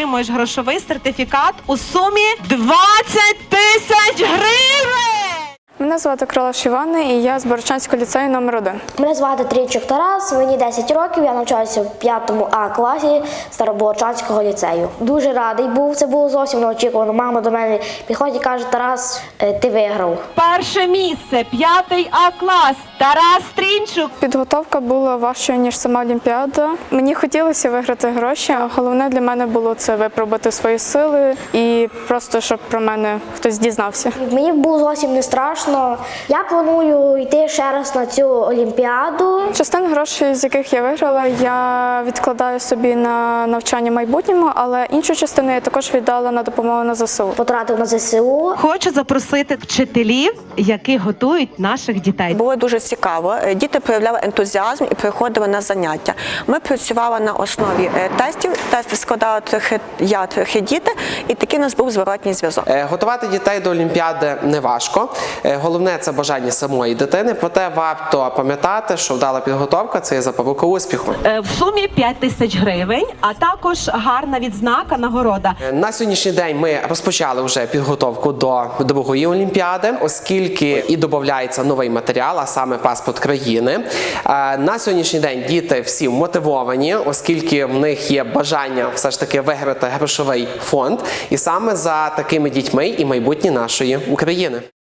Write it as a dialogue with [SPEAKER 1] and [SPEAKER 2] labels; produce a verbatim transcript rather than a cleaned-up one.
[SPEAKER 1] отримуєш грошовий сертифікат у сумі двадцять тисяч гривень!
[SPEAKER 2] Мене звати Крилаш Івана, і я з Богородчанського ліцею номер один.
[SPEAKER 3] Мене звати Трійчук Тарас, мені десять років, я навчаюся в п'ятому А класі Старобогородчанського ліцею. Дуже радий був, це було зовсім неочікувано. Мама до мене підходить і каже: Тарас, ти виграв.
[SPEAKER 1] Перше місце, п'ятий А клас, Тарас Трінчук.
[SPEAKER 2] Підготовка була важчою, ніж сама Олімпіада. Мені хотілося виграти гроші, а головне для мене було це випробувати свої сили і просто, щоб про мене хтось дізнався.
[SPEAKER 3] Мені було зовсім не страшно. Я планую йти ще раз на цю Олімпіаду.
[SPEAKER 2] Частину грошей, з яких я виграла, я відкладаю собі на навчання в майбутньому, але іншу частину я також віддала на допомогу на ЗСУ.
[SPEAKER 3] Потратив на ЗСУ.
[SPEAKER 1] Хочу запросити вчителів, які готують наших дітей.
[SPEAKER 4] Було дуже цікаво. Діти проявляли ентузіазм і приходили на заняття. Ми працювали на основі тестів. Тести складали трохи я, трохи діти, і такий у нас був зворотній зв'язок.
[SPEAKER 5] Готувати дітей до Олімпіади не важко. Головне – це бажання самої дитини, проте варто пам'ятати, що вдала підготовка – це є запорука успіху.
[SPEAKER 1] В сумі п'ять тисяч гривень, а також гарна відзнака, нагорода.
[SPEAKER 5] На сьогоднішній день ми розпочали вже підготовку до другої Олімпіади, оскільки і додається новий матеріал, а саме паспорт країни. На сьогоднішній день діти всі мотивовані, оскільки в них є бажання все ж таки виграти грошовий фонд. І саме за такими дітьми і майбутнє нашої України.